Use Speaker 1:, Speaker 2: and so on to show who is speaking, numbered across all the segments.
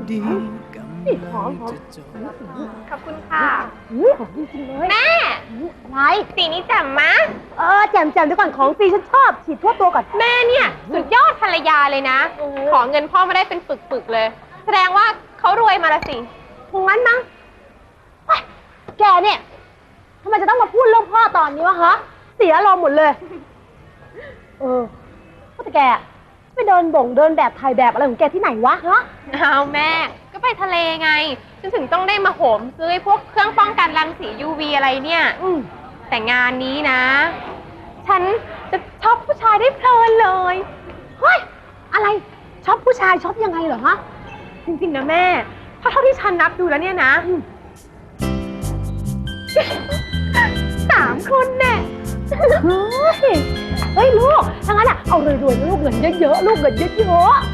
Speaker 1: นี่หอม
Speaker 2: ขอบคุณค่ะ
Speaker 1: หอมจริงๆเลย
Speaker 2: แม่
Speaker 1: อะไร
Speaker 2: สีนี้แจ่มมะ
Speaker 1: แจ่มเดี๋ยวก่อนของฟรีฉันชอบฉีดทั่วตัวก่อน
Speaker 2: แม่เนี่ยสุดยอดภรรยาเลยนะ ขอเงินพ่อมาได้เป็นปึกๆเลย แสดงว่าเขารวยมาละสิ
Speaker 1: คงงั้นมั้งแกเนี่ยทำไมจะต้องมาพูดเรื่องพ่อตอนนี้วะคะเสียอารมณ์หมดเลยว่าแต่แกไปเดินแบบถ่ายแบบอะไรของแกที่ไหนวะฮะ
Speaker 2: เอาแม่ก็ไปทะเลไงฉันถึงต้องได้มาโหมซื้อพวกเครื่องป้องกันรังสี UV อะไรเนี่ยแต่งานนี้นะฉันจะช็อปผู้ชายได้เพลินเลย
Speaker 1: เฮ้ยอะไรช็อปผู้ชายช็อปยังไงเหรอฮะ
Speaker 2: จริงๆนะแม่เพราะเท่าที่ฉันนับดูแล้วเนี่ยนะ3 คนแน่
Speaker 1: เฮ้ยลูกถ้างั้นเอารวยๆลูกเงินเยอะๆลูกเงินเยอะๆ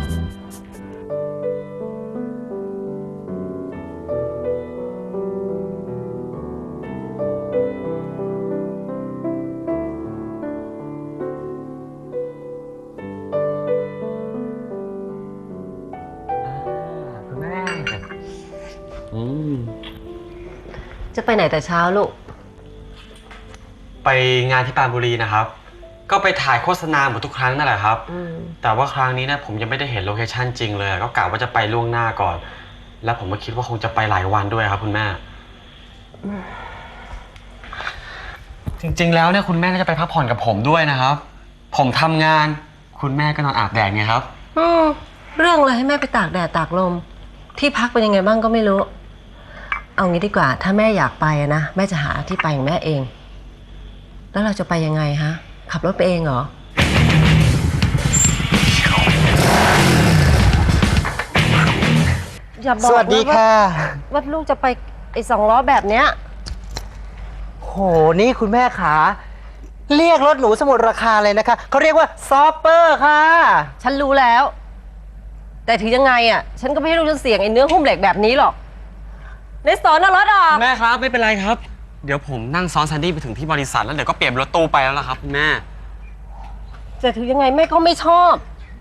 Speaker 3: คุณแม่
Speaker 4: จะไปไหนแต่เช้าลูก
Speaker 3: ไปงานที่ปรานบุรีนะครับก็ไปถ่ายโฆษณาเหมือนทุกครั้งนั่นแหละครับแต่ว่าครั้งนี้นะผมยังไม่ได้เห็นโลเคชั่นจริงเลยก็กะว่าจะไปล่วงหน้าก่อนแล้วผมก็คิดว่าคงจะไปหลายวันด้วยครับคุณแม่จริงๆแล้วเนี่ยคุณแม่น่าจะไปพักผ่อนกับผมด้วยนะครับผมทำงานคุณแม่ก็นอนอาบแดดไงครับ
Speaker 4: เรื่องอะไรให้แม่ไปตากแดดตากลมที่พักเป็นยังไงบ้างก็ไม่รู้เอางี้ดีกว่าถ้าแม่อยากไปนะแม่จะหาที่ไปของแม่เองแล้วเราจะไปยังไงฮะขับรถไปเองเหรออย่าบอก
Speaker 5: สวัสดีค่ะ
Speaker 4: ว่าลูกจะไปไอ้2 ล้อแบบเนี้ย
Speaker 5: โหนี่คุณแม่ขาเรียกรถหนูสมุดราคาเลยนะคะเขาเรียกว่าซอปเปอร์ค่ะ
Speaker 4: ฉันรู้แล้วแต่ถึงยังไงอ่ะฉันก็ไม่ให้ลูกฉันเสี่ยงไอ้เนื้อหุ้มเหล็กแบบนี้หรอกในสอนเอารถออก
Speaker 3: แม่ครับไม่เป็นไรครับเดี๋ยวผมนั่งซ้อนแซนดี้ไปถึงที่บริษัทแล้วเดี๋ยวก็เปลี่ยนรถตู้ไปแล้วล่ะครับคุณแม่
Speaker 4: แต่ถึงยังไงแม่ก็ไม่ชอบ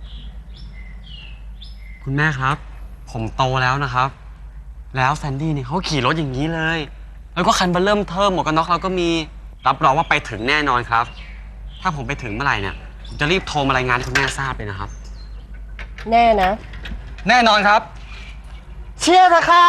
Speaker 3: คุณแม่ครับผมโตแล้วนะครับแล้วแซนดี้เนี่ยเขาขี่รถอย่างนี้เลยแล้วก็คันเบอร์เริ่มเทิมหมวกกันน็อกเราก็มีรับรองว่าไปถึงแน่นอนครับถ้าผมไปถึงเมื่อไหร่เนี่ยผมจะรีบโทรมารายงานให้คุณแม่ทราบเลยนะครับ
Speaker 4: แน่นะ
Speaker 3: แน่นอนครับ
Speaker 5: เชียร์เถอะค่ะ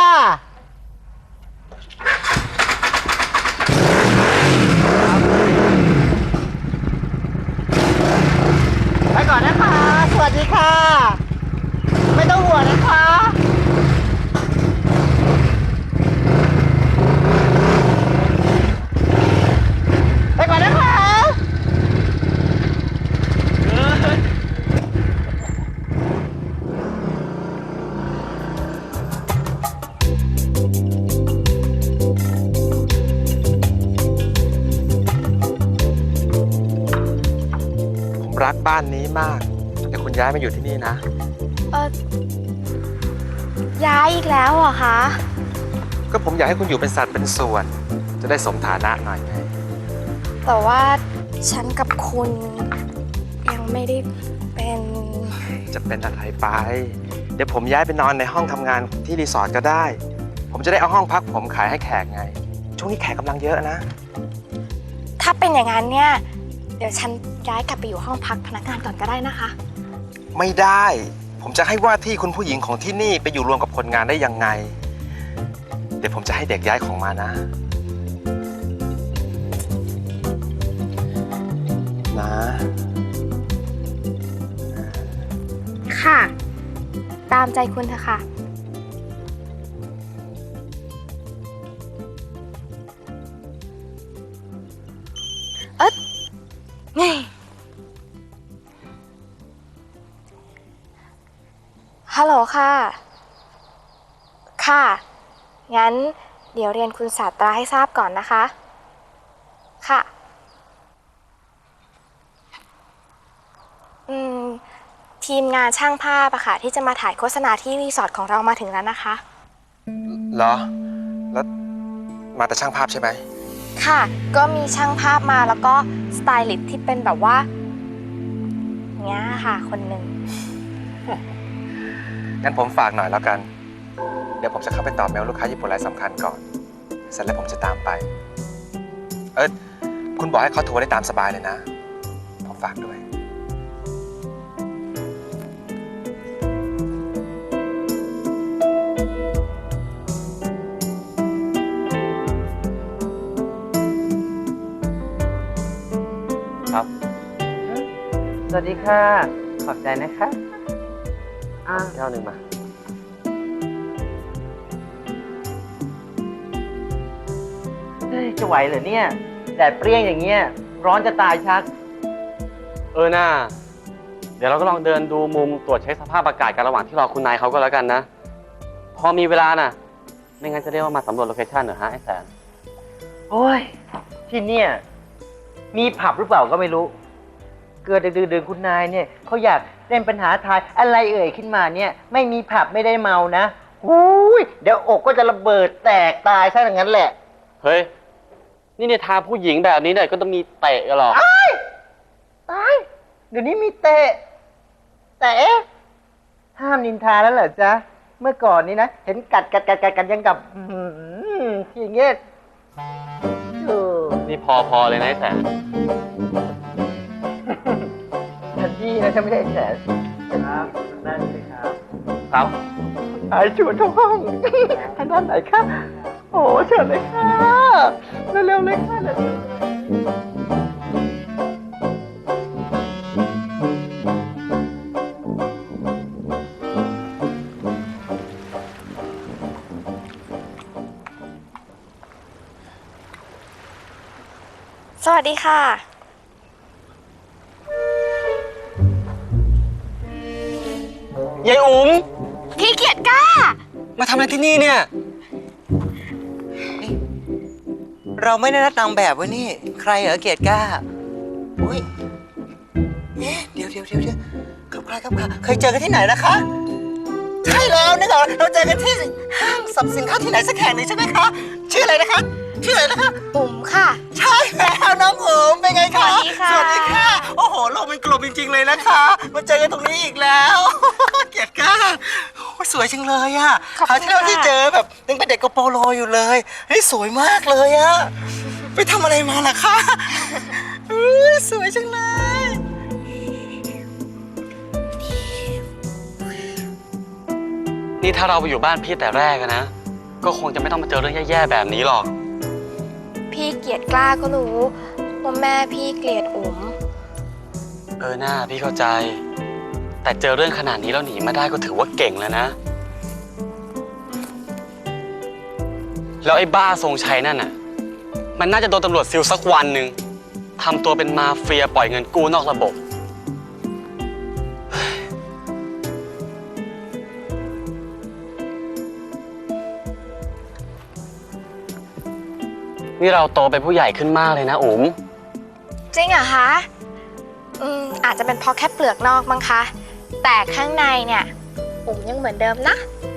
Speaker 5: ไปก่อนนะคะสวัสดีค่ะไม่ต้องห่วงนะคะไปก่อนนะคะผมรักบ้านนี้มากแต่คุณย้ายมาอยู่ที่นี่นะ
Speaker 2: ย้ายอีกแล้วเหรอคะ
Speaker 5: ก็ผมอยากให้คุณอยู่เป็นสัตว์เป็นส่วนจะได้สมฐานะหน่อยไง
Speaker 2: แต่ว่าฉันกับคุณยังไม่ได้เป็น
Speaker 5: จะเป็นอะไรไปเดี๋ยวผมย้ายไปนอนในห้องทำงานที่รีสอร์ทก็ได้ผมจะได้เอาห้องพักผมขายให้แขกไงช่วงนี้แขกกำลังเยอะนะ
Speaker 2: ถ้าเป็นอย่างนั้นเนี่ยเดี๋ยวฉันย้ายกลับไปอยู่ห้องพักพนักงานก่อนก็ได้นะคะ
Speaker 5: ไม่ได้ผมจะให้ว่าที่คุณผู้หญิงของที่นี่ไปอยู่รวมกับคนงานได้ยังไงเดี๋ยวผมจะให้เด็กย้ายของมานะ
Speaker 2: ค่ะตามใจคุณเถอะค่ะไงฮัลโหลค่ะค่ะงั้นเดี๋ยวเรียนคุณศาสตราให้ทราบก่อนนะคะค่ะทีมงานช่างภาพอะค่ะที่จะมาถ่ายโฆษณาที่รีสอร์ทของเรามาถึงแล้วนะคะ
Speaker 5: เหรอแล้วมาแต่ช่างภาพใช่ไหม
Speaker 2: ค่ะก็มีช่างภาพมาแล้วก็สไตลิสต์ที่เป็นแบบว่าเนี้ยค่ะคนหนึ่ง
Speaker 5: งั้นผมฝากหน่อยแล้วกันเดี๋ยวผมจะเข้าไปตอบเมลลูกค้าญี่ปุ่นรายสำคัญก่อน เสร็จแล้วผมจะตามไป คุณบอกให้เขาโทรได้ตามสบายเลยนะ ผมฝากด้วย
Speaker 3: ครับ
Speaker 6: สวัสดีค่ะ ขอบใจนะคะอ่า
Speaker 3: แก้วหนึ่งมา
Speaker 6: เฮ้ยจะไหวเหรอเนี่ย แดดเปรี้ยงอย่างเงี้ย ร้อนจะตายชัก
Speaker 3: น่าเดี๋ยวเราก็ลองเดินดูมุมตรวจเช็คสภาพอากาศกันระหว่างที่รอคุณนายเขาก็แล้วกันนะ พอมีเวลาน่ะ ไม่งั้นจะเรียกว่ามาสำรวจโลเคชั่นเหรอฮะไอ้แสน
Speaker 6: โอ้ย ที่เนี่ยมีผับหรือเปล่าก็ไม่รู้ เกิดดึกๆคุณนายเนี่ยเขาอยากเล่นปัญหาทายอะไรเอ่ยขึ้นมาเนี่ย ไม่มีผับไม่ได้เมานะหูยเดี๋ยวอกก็จะระเบิดแตกตายซะอย่างนั้นแหละ
Speaker 3: เฮ้ย นี่ในทางผู้หญิงแบบนี้เนี่ยก็ต้องมีเตะกันหรอก
Speaker 6: ตาย เดี๋ยวนี้มีเตะ แต่เอ๊ะห้ามนินทาแล้วเหรอจ๊ะ เมื่อก่อนนี้นะ เห็นกัดกันยังกับที่อย่างเงี้ยเออ
Speaker 3: นี่พอเลยนะไอ้แสน
Speaker 6: ทันทีนะฉันไม่ใช่แสนครับนั่นสิครับ
Speaker 3: ครับ
Speaker 6: ไอ้ชวนเข้าห้องทางด้านไหนคะโอ้เชิญเลยค่ะเร็วๆเลยค่ะเร็ว
Speaker 2: สวัสดีค่ะ
Speaker 3: ยายอุ๋ม
Speaker 2: พี่เกียรติกล้า
Speaker 3: มาทำอะไรที่นี่เนี่ย
Speaker 6: เราไม่ได้นัดนางแบบไว้นี่ ใครเหรอเกียรติกล้าอุ้ยเดี๋ยวครับใครครับค่ะเคยเจอกันที่ไหนนะคะ ใช่แล้วนี่เหรอเราเจอกันที่ห้างสรรพสินค้าที่ไหนสักแห่งหนึ่งใช่ไหมคะ ชื่ออะไรนะคะ ชื่ออะไรนะคะ
Speaker 2: ปุ๋มค่ะ
Speaker 6: ใช่แล้วน้องอุ๋มเป็นไงคะ
Speaker 2: สวัสดีค่ะ
Speaker 6: สวัสดีค่ะ โอ้โหโลกเป็นกลมจริงๆเลยนะคะ มาเจอกันตรงนี้อีกแล้ว เกียรติกล้าโอ้ยสวยจังเลยอะคราวที่เราที่เจอแบบยังเป็นเด็กกระโปรงโลอยู่เลยเฮ้ยสวยมากเลยอะไปทำอะไรมาล่ะคะสวยจังเลย
Speaker 3: นี่ถ้าเราไปอยู่บ้านพี่แต่แรกอะนะ ก็คงจะไม่ต้องมาเจอเรื่องแย่ๆแบบนี้หรอก
Speaker 2: พี่เกียรติกล้าก็รู้ว่าแม่พี่เกลียดอุ๋ม
Speaker 3: หน้าพี่เข้าใจ แต่เจอเรื่องขนาดนี้แล้วหนีมาได้ก็ถือว่าเก่งแล้วนะ แล้วไอ้บ้าทรงชัยนั่นน่ะ มันน่าจะโดนตำรวจซิลสักวันหนึ่งทำตัวเป็นมาเฟียปล่อยเงินกู้นอกระบบ นี่เราโตเป็นผู้ใหญ่ขึ้นมากเลยนะอุ๋ม
Speaker 2: จริงเหรอคะ อาจจะเป็นเพราะแค่เปลือกนอกมั้งคะ แต่ข้างในเนี่ยอุ๋มยังเหมือนเดิมนะ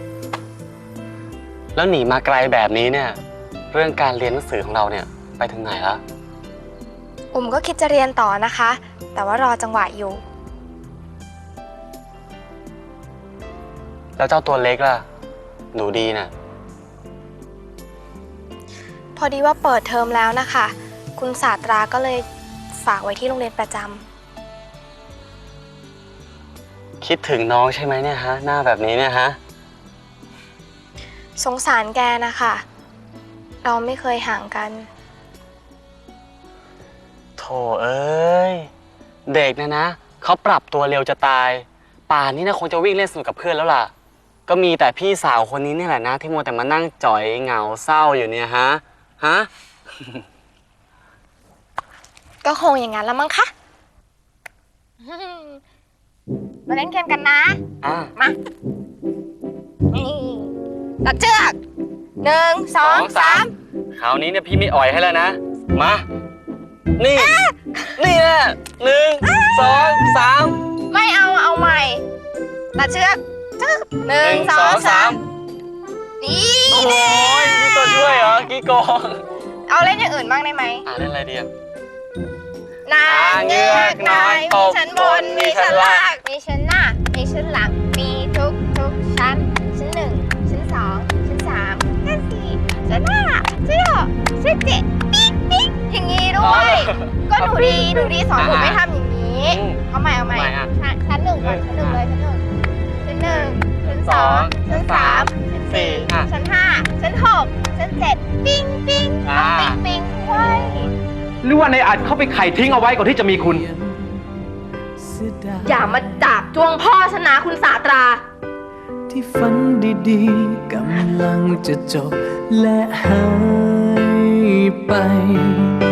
Speaker 3: แล้วหนีมาไกลแบบนี้เนี่ย เรื่องการเรียนหนังสือของเราเนี่ยไปถึงไหนแล้ว
Speaker 2: อุ๋มก็คิดจะเรียนต่อนะคะ แต่ว่ารอจังหวะอยู่
Speaker 3: แล้วเจ้าตัวเล็กล่ะ หนูดีน่ะ
Speaker 2: พอดีว่าเปิดเทอมแล้วนะคะ คุณศาสตราก็เลยฝากไว้ที่โรงเรียนประจำ
Speaker 3: คิดถึงน้องใช่ไหมเนี่ยฮะ หน้าแบบนี้เนี่ยฮะ
Speaker 2: สงสารแกนะคะ เราไม่เคยห่างกัน
Speaker 3: โถเอ้ย เด็กนะเขาปรับตัวเร็วจะตาย ป่านนี้นะคงจะวิ่งเล่นสนุกกับเพื่อนแล้วล่ะ ก็มีแต่พี่สาวคนนี้นี่แหละนะ ที่มัวแต่มานั่งจ่อยเหงาเศร้าอยู่เนี่ยฮะ
Speaker 2: ก็คงอย่างนั้นแล้วมั้งคะ มาเล่นเกมกันนะ
Speaker 3: อ่ะ
Speaker 2: มานี่ตัดเชือก1 2 3
Speaker 3: คราวนี้เนี่ยพี่ไม่อ่อยให้แล้วนะ มา นี่นี่แหละ1 2 3
Speaker 2: ไม่เอาใหม่ตัดเชือก1 2 3นี่
Speaker 3: โอ้ยมีตัวช่วยเหรอกี้โกง
Speaker 2: เอาเล่นอย่างอื่นบ้างได้ไหม
Speaker 3: เล่นอะไรดีอ่ะ
Speaker 2: นางเงือกน้อยมีชั้นบนมีชั้นล่างมีชั้นหน้ามีชั้นหลังมีทุกชั้นชั้น1ชั้นก็หนูดีสอนหนูไม่ทำอย่างนี้ เอาใหม่ ชั้นหนึ่งก่อนชั้นหนึ่งเลยชั้นหนึ่งชั้นสองชั้นสามชั้นสี่ชั้นห้าชั้นหกชั้นเจ็ดปิ้งต้องปิ้งไว้
Speaker 5: หรือว่าในอัดเข้าไปไข่ทิ้งเอาไว้ก่อนที่จะมีคุณ
Speaker 2: อย่ามาจับจ้วงพ่อชนะคุณสาตรา
Speaker 7: ที่ฝันดีๆกำลังจะจบและหายไป